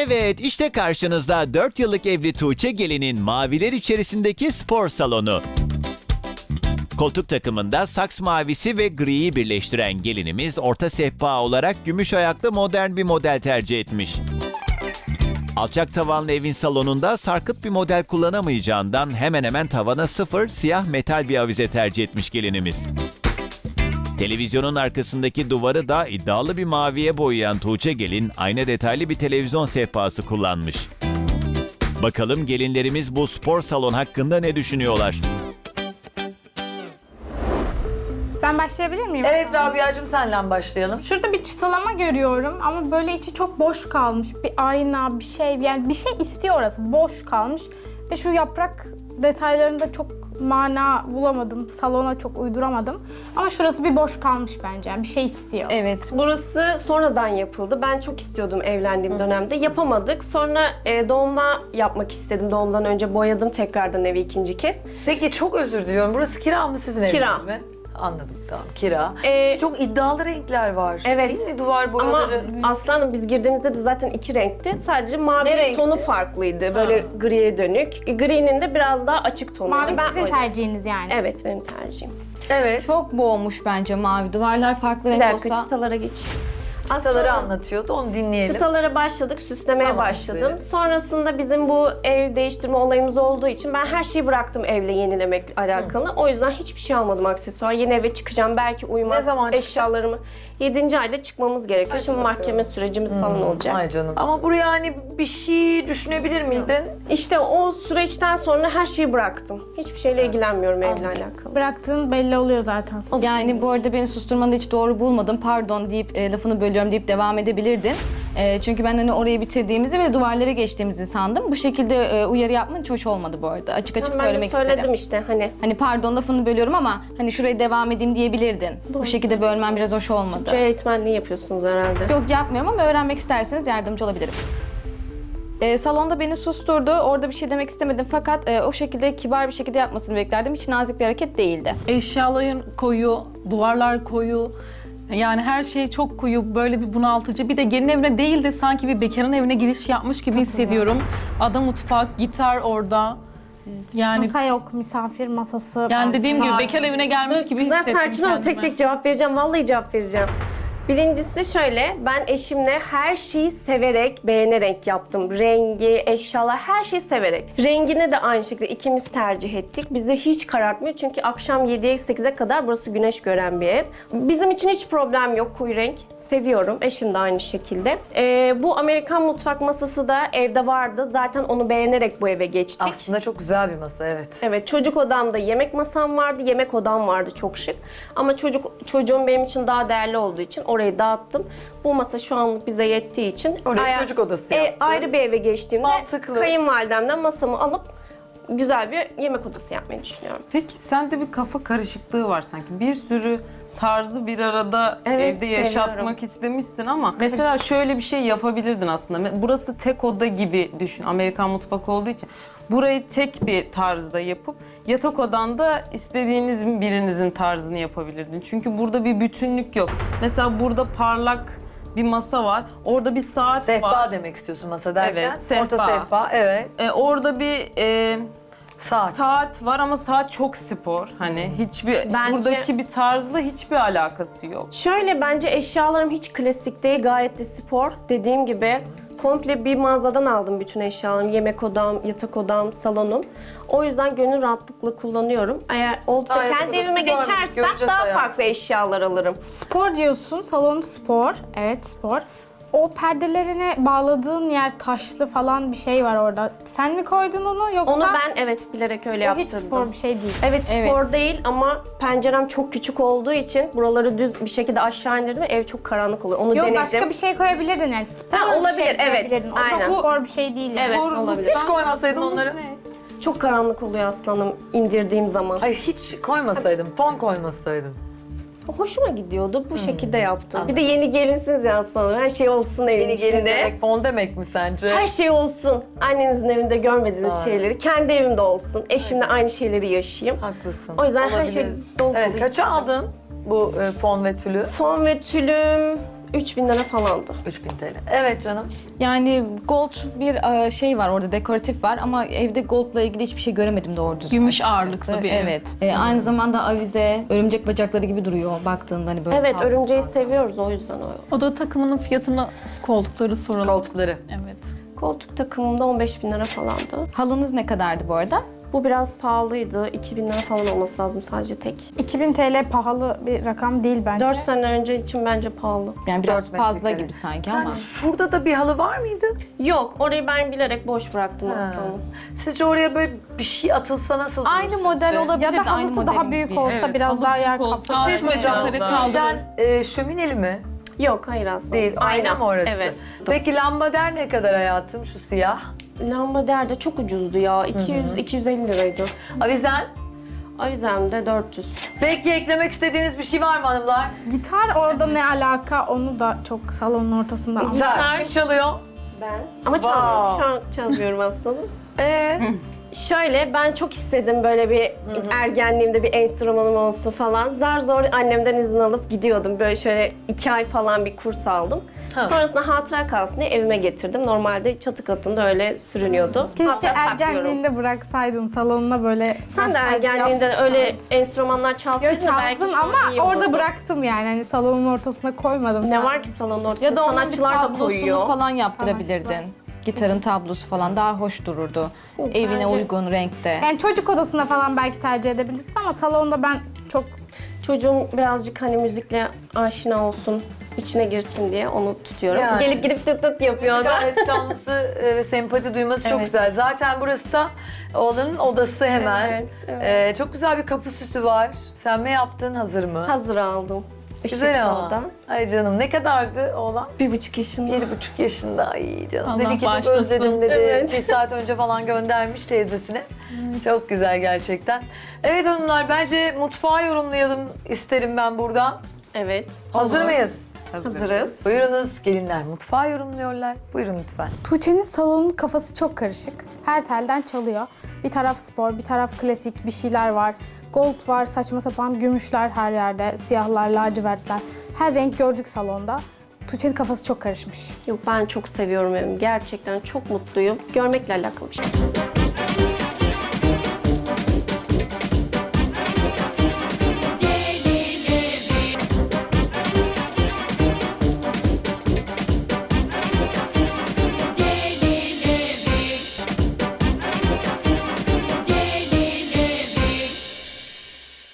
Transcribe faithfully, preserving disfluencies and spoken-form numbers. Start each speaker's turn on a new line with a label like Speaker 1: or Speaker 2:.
Speaker 1: Evet, işte karşınızda dört yıllık evli Tuğçe Gelin'in maviler içerisindeki spor salonu. Koltuk takımında saks mavisi ve griyi birleştiren gelinimiz orta sehpa olarak gümüş ayaklı modern bir model tercih etmiş. Alçak tavanlı evin salonunda sarkıt bir model kullanamayacağından hemen hemen tavana sıfır siyah metal bir avize tercih etmiş gelinimiz. Televizyonun arkasındaki duvarı da iddialı bir maviye boyayan Tuğçe Gelin ayna detaylı bir televizyon sehpası kullanmış. Bakalım gelinlerimiz bu spor salon hakkında ne düşünüyorlar?
Speaker 2: Ben başlayabilir miyim?
Speaker 3: Evet Rabia'cığım senle başlayalım.
Speaker 2: Şurada bir çıtalama görüyorum ama böyle içi çok boş kalmış. Bir ayna, bir şey, yani bir şey istiyor orası. Boş kalmış. Ve şu yaprak detaylarında çok mana bulamadım. Salona çok uyduramadım. Ama şurası bir boş kalmış bence. Yani bir şey istiyor.
Speaker 4: Evet, burası sonradan yapıldı. Ben çok istiyordum evlendiğim dönemde. Yapamadık. Sonra e, doğumda yapmak istedim. Doğumdan önce boyadım tekrardan evi ikinci kez.
Speaker 3: Peki çok özür diliyorum. Burası kira mı sizin
Speaker 4: Kira.
Speaker 3: eviniz mi? Anladım tamam kira.
Speaker 4: Ee,
Speaker 3: çok iddialı renkler var.
Speaker 4: Evet.
Speaker 3: Değil mi duvar
Speaker 4: Ama
Speaker 3: boyaları?
Speaker 4: aslanım biz girdiğimizde de zaten iki renkti. Sadece mavi
Speaker 3: Ne renkti?
Speaker 4: tonu farklıydı. Böyle
Speaker 3: Ha.
Speaker 4: griye dönük. Gri'nin de biraz daha açık tonuydu.
Speaker 2: Mavi
Speaker 4: Ben
Speaker 2: sizin
Speaker 4: o yüzden-
Speaker 2: tercihiniz yani.
Speaker 4: Evet benim tercihim.
Speaker 3: Evet.
Speaker 5: Çok boğmuş bence mavi. Duvarlar farklı
Speaker 4: Bir
Speaker 5: renk
Speaker 4: dakika
Speaker 5: olsa.
Speaker 4: çıtalara geç.
Speaker 3: Çıtaları
Speaker 4: Aslanım,
Speaker 3: anlatıyordu onu dinleyelim.
Speaker 4: Çıtalara başladık, süslemeye
Speaker 3: Tamam,
Speaker 4: başladım.
Speaker 3: buyurun.
Speaker 4: Sonrasında bizim bu ev değiştirme olayımız olduğu için ben her şeyi bıraktım evle yenilemek alakalı. O yüzden hiçbir şey almadım aksesuar. Yeni eve çıkacağım, belki uymaz
Speaker 3: Ne zaman çıkacaksın?
Speaker 4: eşyalarımı. yedinci ayda çıkmamız gerekiyor. Şimdi
Speaker 3: bakalım.
Speaker 4: mahkeme sürecimiz falan olacak.
Speaker 3: Ay canım. Ama buraya hani bir şey düşünebilir miydin?
Speaker 4: İşte o süreçten sonra her şeyi bıraktım. Hiçbir şeyle ilgilenmiyorum evle alakalı.
Speaker 2: Bıraktığın belli oluyor zaten.
Speaker 5: Yani bu arada beni susturmanı hiç doğru bulmadım. Pardon deyip e, lafını bölüyorum deyip devam edebilirdin. E, çünkü ben hani orayı bitirdiğimizi ve duvarlara geçtiğimizi sandım. Bu şekilde e, uyarı yapman hiç hoş olmadı bu arada. Açık açık
Speaker 4: Ben de
Speaker 5: söylemek
Speaker 4: söyledim
Speaker 5: isterim.
Speaker 4: işte hani.
Speaker 5: Hani pardon lafını bölüyorum ama hani şurayı devam edeyim diyebilirdin. Bu şekilde bölmen biraz hoş olmadı.
Speaker 4: Türkçe eğitmenliği yapıyorsunuz herhalde.
Speaker 5: Yok yapmıyorum ama öğrenmek isterseniz yardımcı olabilirim. E, salonda beni susturdu. Orada bir şey demek istemedim fakat e, o şekilde kibar bir şekilde yapmasını beklerdim. Hiç nazik bir hareket değildi.
Speaker 6: Eşyaların koyu, duvarlar koyu. Yani her şey çok koyu, böyle bir bunaltıcı. Bir de gelin evine değil de sanki bir bekarın evine giriş yapmış gibi hissediyorum. Ada mutfak, gitar orada. Yani
Speaker 2: Masa yok, misafir masası.
Speaker 6: yani dediğim gibi
Speaker 2: saat.
Speaker 6: bekar evine gelmiş gibi
Speaker 4: Kızlar
Speaker 6: hissettim
Speaker 4: sakin olun, tek
Speaker 6: kendimi.
Speaker 4: tek cevap vereceğim. Vallahi cevap vereceğim. Birincisi şöyle, ben eşimle her şeyi severek, beğenerek yaptım. Rengi, eşyalar, her şeyi severek. Rengini de aynı şekilde ikimiz tercih ettik. Bize hiç karartmıyor çünkü akşam yediye sekize kadar burası güneş gören bir ev. Bizim için hiç problem yok, koyu renk. Seviyorum, eşim de aynı şekilde. Ee, bu Amerikan mutfak masası da evde vardı. Zaten onu beğenerek bu eve geçtik.
Speaker 3: Aslında çok güzel bir masa evet.
Speaker 4: Evet, çocuk odamda yemek masam vardı, yemek odam vardı çok şık. Ama çocuk çocuğum benim için daha değerli olduğu için orayı dağıttım. Bu masa şu anlık bize yettiği için
Speaker 3: Oraya çocuk odası yaptın.
Speaker 4: ayrı bir eve geçtiğimde
Speaker 3: Mantıklı.
Speaker 4: kayınvalidemden masamı alıp güzel bir yemek odası yapmayı düşünüyorum.
Speaker 7: Peki sende bir kafa karışıklığı var sanki. Bir sürü tarzı bir arada
Speaker 4: Evet,
Speaker 7: evde yaşatmak
Speaker 4: seviyorum.
Speaker 7: istemişsin ama mesela şöyle bir şey yapabilirdin aslında. Burası tek oda gibi düşün. Amerikan mutfak olduğu için. Burayı tek bir tarzda yapıp yatak odanda istediğiniz birinizin tarzını yapabilirdin. Çünkü burada bir bütünlük yok. Mesela burada parlak bir masa var. Orada bir saat
Speaker 3: Sehpa
Speaker 7: var.
Speaker 3: demek istiyorsun masa derken.
Speaker 7: Evet, sehpa.
Speaker 3: Orta sehpa evet.
Speaker 7: Ee, orada bir e,
Speaker 3: Saat.
Speaker 7: saat var ama saat çok spor. Hani hiçbir
Speaker 4: Bence-
Speaker 7: buradaki bir tarzla hiçbir alakası yok.
Speaker 4: Şöyle, bence eşyalarım hiç klasik değil, gayet de spor. Dediğim gibi komple bir mağazadan aldım bütün eşyalarımı. Yemek odam, yatak odam, salonum. O yüzden gönül rahatlıkla kullanıyorum. Eğer oldu da
Speaker 3: Aa, yatak
Speaker 4: kendi
Speaker 3: odası
Speaker 4: evime
Speaker 3: varmış,
Speaker 4: geçersem
Speaker 3: göreceğiz
Speaker 4: daha
Speaker 3: hayatım.
Speaker 4: farklı eşyalar alırım.
Speaker 2: Spor diyorsun, salon spor. Evet spor. O perdelerine bağladığın yer taşlı falan bir şey var orada. Sen mi koydun onu yoksa?
Speaker 4: Onu ben evet bilerek öyle
Speaker 2: O hiç
Speaker 4: yaptırdım.
Speaker 2: spor bir şey değil.
Speaker 4: Evet spor
Speaker 5: Evet.
Speaker 4: değil ama pencerem çok küçük olduğu için buraları düz bir şekilde aşağı indirdim ve ev çok karanlık oluyor. Onu
Speaker 2: Yok
Speaker 4: denedim.
Speaker 2: başka bir şey koyabilirdin yani. Spor
Speaker 4: Ha,
Speaker 2: bir
Speaker 4: olabilir,
Speaker 2: şey
Speaker 4: evet.
Speaker 2: koyabilirdin. O
Speaker 4: Aynen.
Speaker 2: çok spor bir şey değil. yani.
Speaker 4: Evet
Speaker 7: Doğru, bu
Speaker 4: olabilir.
Speaker 3: Hiç koymasaydın onları.
Speaker 7: Ne?
Speaker 4: Çok karanlık oluyor aslanım indirdiğim zaman.
Speaker 3: Hayır hiç koymasaydın, fon koymasaydın.
Speaker 4: Hoşuma gidiyordu. Bu şekilde yaptım.
Speaker 3: Anladım.
Speaker 4: Bir de yeni gelinsiniz ya aslanım. Her şey olsun evin
Speaker 3: Yeni gelin
Speaker 4: içinde.
Speaker 3: demek fon demek mi sence?
Speaker 4: Her şey olsun. Annenizin evinde görmediğiniz
Speaker 3: Doğru.
Speaker 4: şeyleri kendi evimde olsun. Eşimle aynı şeyleri yaşayayım.
Speaker 3: Haklısın.
Speaker 4: O yüzden her
Speaker 3: Olabilir.
Speaker 4: şey dolu dolu
Speaker 3: Evet, kaça
Speaker 4: istedim.
Speaker 3: aldın bu e, fon ve tülü?
Speaker 4: Fon ve tülüm üç bin lira falandı.
Speaker 3: üç bin T L. Evet canım.
Speaker 5: Yani gold bir e, şey var orada, dekoratif var ama evde goldla ilgili hiçbir şey göremedim doğru düzgün.
Speaker 6: Gümüş
Speaker 5: açıkçası.
Speaker 6: ağırlıklı bir ev.
Speaker 5: Evet. E, aynı zamanda avize, örümcek bacakları gibi duruyor baktığında hani böyle.
Speaker 4: Evet,
Speaker 5: sağ-
Speaker 4: örümceği seviyoruz o yüzden o.
Speaker 6: Oda takımının fiyatını, koltukları soralım.
Speaker 3: Koltukları.
Speaker 6: Evet.
Speaker 4: Koltuk takımımda on beş bin lira falandı.
Speaker 5: Halınız ne kadardı bu arada?
Speaker 4: Bu biraz pahalıydı. iki bin lira falan olması lazım sadece tek.
Speaker 2: iki bin T L pahalı bir rakam değil bence.
Speaker 4: dört sene önce için bence pahalı.
Speaker 5: Yani biraz
Speaker 3: Dört
Speaker 5: fazla
Speaker 3: metrekare.
Speaker 5: gibi sanki
Speaker 3: Yani
Speaker 5: ama.
Speaker 3: şurada da bir halı var mıydı?
Speaker 4: Yok, orayı ben bilerek boş bıraktım
Speaker 3: Ha.
Speaker 4: aslında.
Speaker 3: Sizce oraya böyle bir şey atılsa nasıl olur
Speaker 5: Aynı
Speaker 3: sizce?
Speaker 5: model olabilir.
Speaker 2: Ya da
Speaker 5: aynı
Speaker 2: halısı daha
Speaker 5: modelin
Speaker 2: büyük
Speaker 5: bir-
Speaker 2: olsa
Speaker 6: Evet,
Speaker 2: biraz
Speaker 6: halı
Speaker 2: daha
Speaker 6: büyük
Speaker 2: yer
Speaker 6: olsa-
Speaker 2: kaplar.
Speaker 3: Bir şey söyleyeceğim.
Speaker 6: Metrekare kaldırın.
Speaker 3: Bizden e, şömineli mi?
Speaker 4: Yok, hayır aslında.
Speaker 3: Değil. Ayna mı orası?
Speaker 4: Evet.
Speaker 3: Peki lambader ne kadar hayatım şu siyah?
Speaker 4: Lambader de çok ucuzdu ya. iki yüz iki yüz elli liraydı.
Speaker 3: Avizen?
Speaker 4: Avizem de dört yüz.
Speaker 3: Peki eklemek istediğiniz bir şey var mı hanımlar?
Speaker 2: Gitar orada ne alaka onu da çok salonun ortasında anlamadım.
Speaker 3: Gitar. Kim çalıyor?
Speaker 4: Ben. Ama çalmıyorum. Şu an çalmıyorum aslında.
Speaker 3: Ee,
Speaker 4: Şöyle, ben çok istedim böyle bir ergenliğimde bir enstrümanım olsun falan. Zar zor annemden izin alıp gidiyordum. Böyle şöyle iki ay falan bir kurs aldım.
Speaker 3: Ha.
Speaker 4: Sonrasında hatıra kalsın diye evime getirdim. Normalde çatı katında öyle sürünüyordu.
Speaker 2: Keşke
Speaker 4: Hatta saklıyorum.
Speaker 2: ergenliğinde bıraksaydın salonuna böyle.
Speaker 4: Sen de
Speaker 2: başka bir
Speaker 4: ergenliğinde
Speaker 2: yaptın.
Speaker 4: öyle enstrümanlar
Speaker 2: Yo,
Speaker 4: çalsaydın da belki
Speaker 2: çaldım
Speaker 4: şu an
Speaker 2: ama
Speaker 4: iyi
Speaker 2: orada
Speaker 4: olurdu.
Speaker 2: bıraktım yani. Hani salonun ortasına koymadım.
Speaker 4: Ne var ki salonun ortasında?
Speaker 5: Ya da onun bir
Speaker 4: sanatçılar da
Speaker 5: tablosunu
Speaker 4: koyuyor.
Speaker 5: falan yaptırabilirdin. Gitarın tablosu falan daha hoş dururdu. Evine
Speaker 4: bence-
Speaker 5: uygun renkte.
Speaker 2: Yani çocuk odasına falan belki tercih edebilirsin ama salonda ben çok
Speaker 4: Çocuğum birazcık hani müzikle aşina olsun, içine girsin diye onu tutuyorum.
Speaker 3: Yani.
Speaker 4: Gelip gelip tıt tıt yapıyordu.
Speaker 3: gayet canlısı e, ve sempati duyması çok
Speaker 4: Evet.
Speaker 3: güzel. Zaten burası da oğlanın odası hemen.
Speaker 4: Evet, evet.
Speaker 3: Ee, çok güzel bir kapı süsü var. Sen mi yaptın, hazır mı?
Speaker 4: Hazır aldım.
Speaker 3: Güzel ama.
Speaker 4: Işıklı da.
Speaker 3: Ay canım, ne kadardı oğlan?
Speaker 4: Bir buçuk yaşında.
Speaker 3: Bir buçuk yaşında. Ay canım.
Speaker 6: Allah
Speaker 3: dedi ki çok
Speaker 6: bağışlasın.
Speaker 3: özledim dedi.
Speaker 4: Evet.
Speaker 3: Bir saat önce falan göndermiş teyzesine. Çok güzel gerçekten. Evet hanımlar, bence mutfağı yorumlayalım isterim ben buradan.
Speaker 4: Evet.
Speaker 3: Hazır mıyız?
Speaker 4: Hazırız.
Speaker 3: Buyurunuz gelinler, mutfağı yorumluyorlar. Buyurun lütfen.
Speaker 2: Tuğçe'nin salonun kafası çok karışık. Her telden çalıyor. Bir taraf spor, bir taraf klasik bir şeyler var. Gold var, saçma sapan gümüşler her yerde, siyahlar, lacivertler. Her renk gördük salonda. Tuğçe'nin kafası çok karışmış.
Speaker 4: Yok, ben çok seviyorum evimi. Gerçekten çok mutluyum. Görmekle alakalı bir şey.